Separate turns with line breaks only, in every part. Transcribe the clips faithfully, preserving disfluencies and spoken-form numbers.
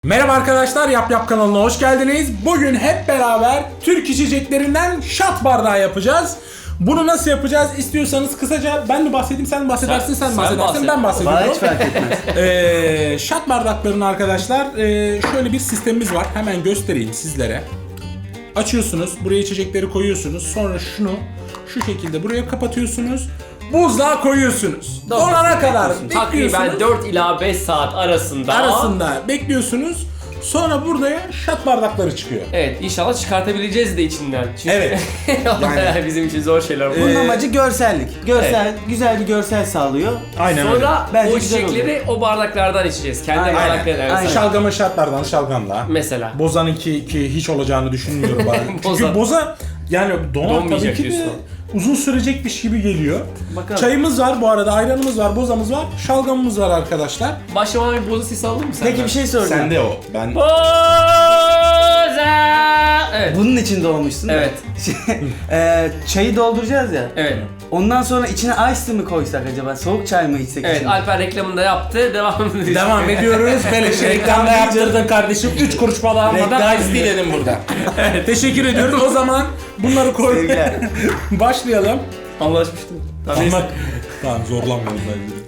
Merhaba arkadaşlar, Yap Yap kanalına hoş geldiniz. Bugün hep beraber Türk içeceklerinden shot bardağı yapacağız. Bunu nasıl yapacağız istiyorsanız kısaca ben mi bahsedeyim, sen mi bahsedersin, sen, sen bahsedersin,
bahset.
ben bahsediyorum.
Bana hiç fark etmez.
ee, shot bardaklarının arkadaşlar ee, şöyle bir sistemimiz var. Hemen göstereyim sizlere. Açıyorsunuz, buraya içecekleri koyuyorsunuz. Sonra şunu şu şekilde buraya kapatıyorsunuz. Buzluğa koyuyorsunuz. Donana kadar bekliyorsunuz.
Takriben dört ila beş saat arasında.
Arasında bekliyorsunuz. Sonra buraya shot bardakları çıkıyor.
Evet, inşallah çıkartabileceğiz de içinden. Çünkü
Evet.
yani bizim için zor şeyler bu.
Bunun
Ee,
amacı görsellik. Görsel, güzel bir görsel sağlıyor.
Aynen öyle.
Sonra
Bence
o
güzel
içecekleri o bardaklardan içeceğiz. Kendi
Aynen.
bardaklarından.
Aynen.
mesela.
Şalgamın şartlardan şalgamla.
Mesela.
Boza'nınki ki hiç olacağını düşünmüyorum ben. Çünkü
Boza.
Boza yani donar
Donmayacak
tabii ki de
diyorsun.
uzun sürecekmiş gibi geliyor.
Bakalım.
Çayımız var bu arada, ayranımız var, bozamız var, şalgamımız var arkadaşlar.
Başlamadan bir boza sesi aldın mı sen?
Peki bir şey soracağım.
Sende o. Ben
Boza! Evet.
Bunun için doğmuşsun da.
Evet.
Ee, çayı dolduracağız ya.
Evet.
Ondan sonra içine ice mi koysak acaba? Soğuk çay mı içsek
Evet,
içine?
Alper reklamını da yaptı. Devam ediyoruz.
devam ediyoruz. Beleşe reklamda yaptırdın kardeşim. üç kuruş para almadan
Reklam
ice tea dedim burada. Teşekkür ediyoruz. O zaman bunları koy.
Sevgiler.
Başlayalım.
Anlaşmıştım. Tamam.
Ama tamam, zorlanmıyorum bence.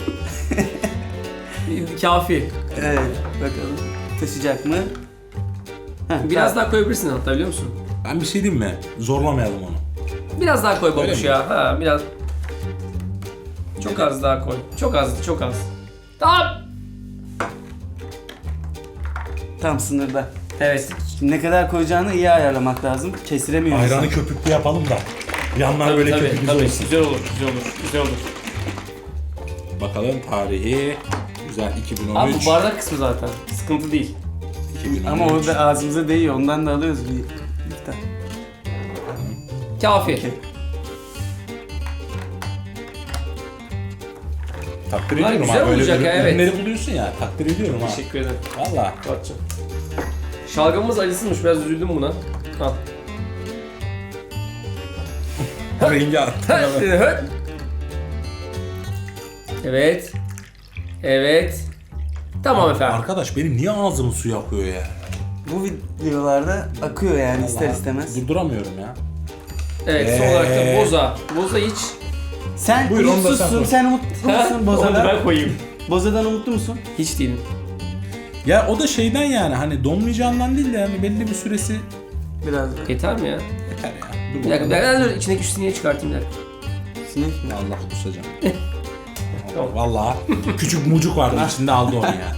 Kafi.
Evet, bakalım. Taşıyacak mı? Heh,
Biraz
tamam.
daha koyabilirsin hatta, biliyor musun?
Ben bir şey diyeyim mi? Zorlamayalım onu.
Biraz daha koy
Öyle
babuş
mi?
ya. Ha, biraz. Çok az daha koy. Çok az, çok az. Tamam.
Tam sınırda.
Evet.
Ne kadar koyacağını iyi ayarlamak lazım. Kestiremiyor
Ayranı
insan.
köpüklü yapalım da. Yanlar
Tabii,
böyle
tabii,
köpüklü
tabii.
olsun.
Güzel olur, güzel olur, güzel olur.
Bakalım tarihi. Güzel, iki bin on
Abi
üç.
bu bardak kısmı zaten. Sıkıntı değil.
iki bin on üç.
Ama o da ağzımıza değiyor. Ondan da alıyoruz bir miktar.
Kafi.
Takdir
Bunlar
ediyorum
güzel
ha. Böyle
olacak
böyle
ya, evet.
ürünleri buluyorsun ya. Takdir ediyorum ha.
Teşekkür ederim.
Valla.
Batacağım. Şalgamımız acısızmış, biraz üzüldüm buna. Al.
Rengi attı.
Evet. Evet. Tamam efendim.
Arkadaş benim niye ağzımın suyu akıyor ya?
Bu videolarda akıyor yani ister
Vallahi
istemez.
Durduramıyorum ya.
Evet, son
Ee.
olarak da boza. Boza iç.
Sen
Buyur, onu da sen
umutsuzsun,
koy.
sen umutlu musun
Onu da
Boza'dan?
ben koyayım.
Boza'dan umutlu musun?
Hiç değilim.
Ya o da şeyden yani hani donmayacağından değil de yani belli bir süresi
Biraz da.
Yeter mi ya?
yeter ya. Dur
Bir dakika,
bakalım.
ben de içindeki şu sineği çıkartayım bir dakika.
Sinek mi?
Allah kusacağım.
Tamam.
Vallahi küçük mucuk vardı içinde, aldı onu ya.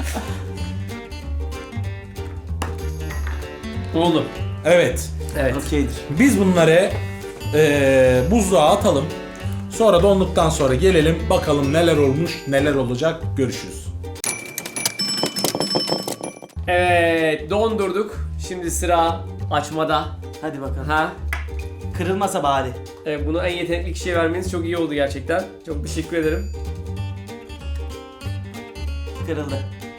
Oldu.
Evet.
Evet.
Okeydir.
Biz bunları eee buzluğa atalım. Sonra donduktan sonra gelelim bakalım neler olmuş, neler olacak, görüşürüz.
Evet, dondurduk. Şimdi sıra açmada.
Hadi bakalım.
Ha?
Kırılmasa bari.
Evet, bunu en yetenekli kişiye vermeniz çok iyi oldu gerçekten. Çok teşekkür ederim.
Kırıldı.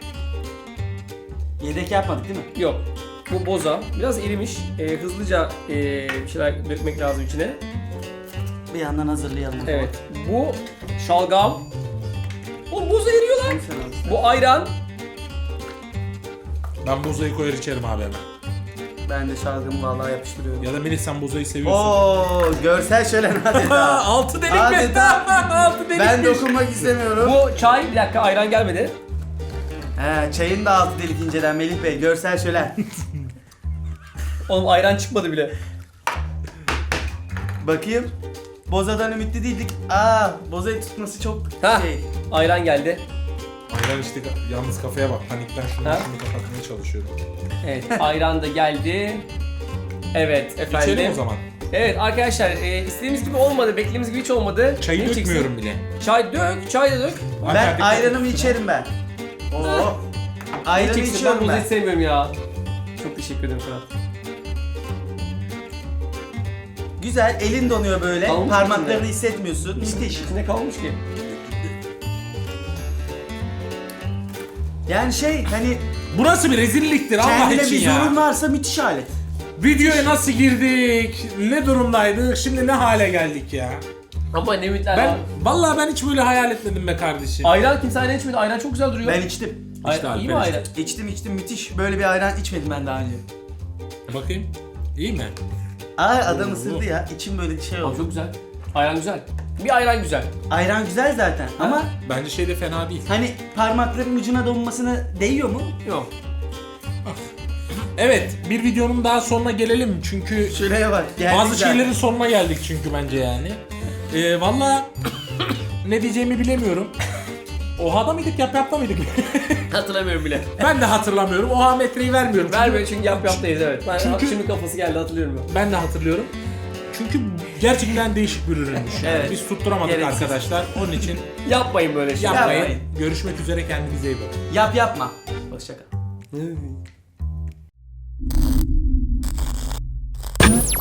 Yedek yapmadık değil mi?
Yok. Bu boza. Biraz erimiş. Ee, hızlıca ee, bir şeyler dökmek lazım içine.
Bir yandan hazırlayalım. o zaman.
Evet. Bu şalgam. O boza eriyor lan.
Sen al.
Bu ayran.
Ben buzayı koyar içerim abi hemen.
Ben de şalgamı vallahi yapıştırıyorum.
Ya da Melih sen buzayı seviyorsun.
Oo, görsel şölen adeta.
Altı delik mi?
Adeta.
Altı delik.
Ben dokunmak istemiyorum.
Bu çay. Bir dakika, ayran gelmedi.
He, çayın da altı delik inceden Melih Bey. Görsel şölen.
Oğlum ayran çıkmadı bile.
Bakayım. Boza'dan ümitli değildik. Aa, Boza'yı tutması çok
Ha.
şey.
Ayran geldi.
Ayran işte, yalnız kafaya bak, panikten şunu
Ha?
şunu kapatmaya çalışıyorum.
Evet, ayran da geldi. Evet efendim.
İçelim o zaman.
Evet arkadaşlar, e, istediğimiz gibi olmadı, beklediğimiz gibi hiç olmadı.
Çayı
Ne içeceksin?
dökmüyorum bile.
Çay dök, çay da dök.
Ben ayranımı içerim ben. Oo.
Ne
Ayranı
içeceksin? Ben
içiyorum
bunu
ben.
hiç sevmiyorum ya. Çok teşekkür ederim Fırat.
Güzel, elin donuyor böyle.
Kalmış
Parmaklarını
içinde.
hissetmiyorsun. Müthiş.
İçinde kalmış ki.
Yani şey hani
Burası bir rezilliktir Allah
kendine
için
bir
ya.
zorun varsa müthiş alet.
Videoya nasıl girdik? Ne durumdaydık? Şimdi ne hale geldik ya?
Ama ne ümitler
Ben
var.
vallahi ben hiç böyle hayal etmedim be kardeşim.
Ayran kimse ayran içmedi. Ayran çok güzel duruyor.
Ben içtim.
Ay,
İşte
iyi mi
Alper
ayran?
İçtim içtim müthiş. Böyle bir ayran içmedim ben daha önce.
Bakayım. İyi mi?
Aa adam
Oo.
ısırdı ya. İçim böyle şey
Abi
oldu.
çok güzel. Ayran güzel. Bir ayran güzel.
Ayran güzel zaten ama
Bence şey de fena değil.
hani parmakların ucuna donmasına değiyor mu?
Yok.
Evet, bir videonun daha sonuna gelelim çünkü
Şuraya bak. geldik
bazı
zaten.
şeylerin sonuna geldik çünkü bence yani. Ee, Valla ne diyeceğimi bilemiyorum. Oha'da mıydık, yap yapta mıydık?
Hatırlamıyorum bile.
Ben de hatırlamıyorum. Oha metreyi vermiyorum. Çünkü
Vermiyor çünkü yap yaptayız evet. Ben
Çünkü-
şimdi kafası geldi hatırlıyorum ben.
Ben de hatırlıyorum. Çünkü gerçekten değişik bir ürünmüş. Yani.
Evet.
Biz tutturamadık
Gereksiz.
arkadaşlar. Onun için
Yapmayın böyle şey.
yapmayın.
Yapmayın.
Görüşmek üzere, kendinize iyi bakın.
Yap yapma. Hoşça kal.
Yapmayın.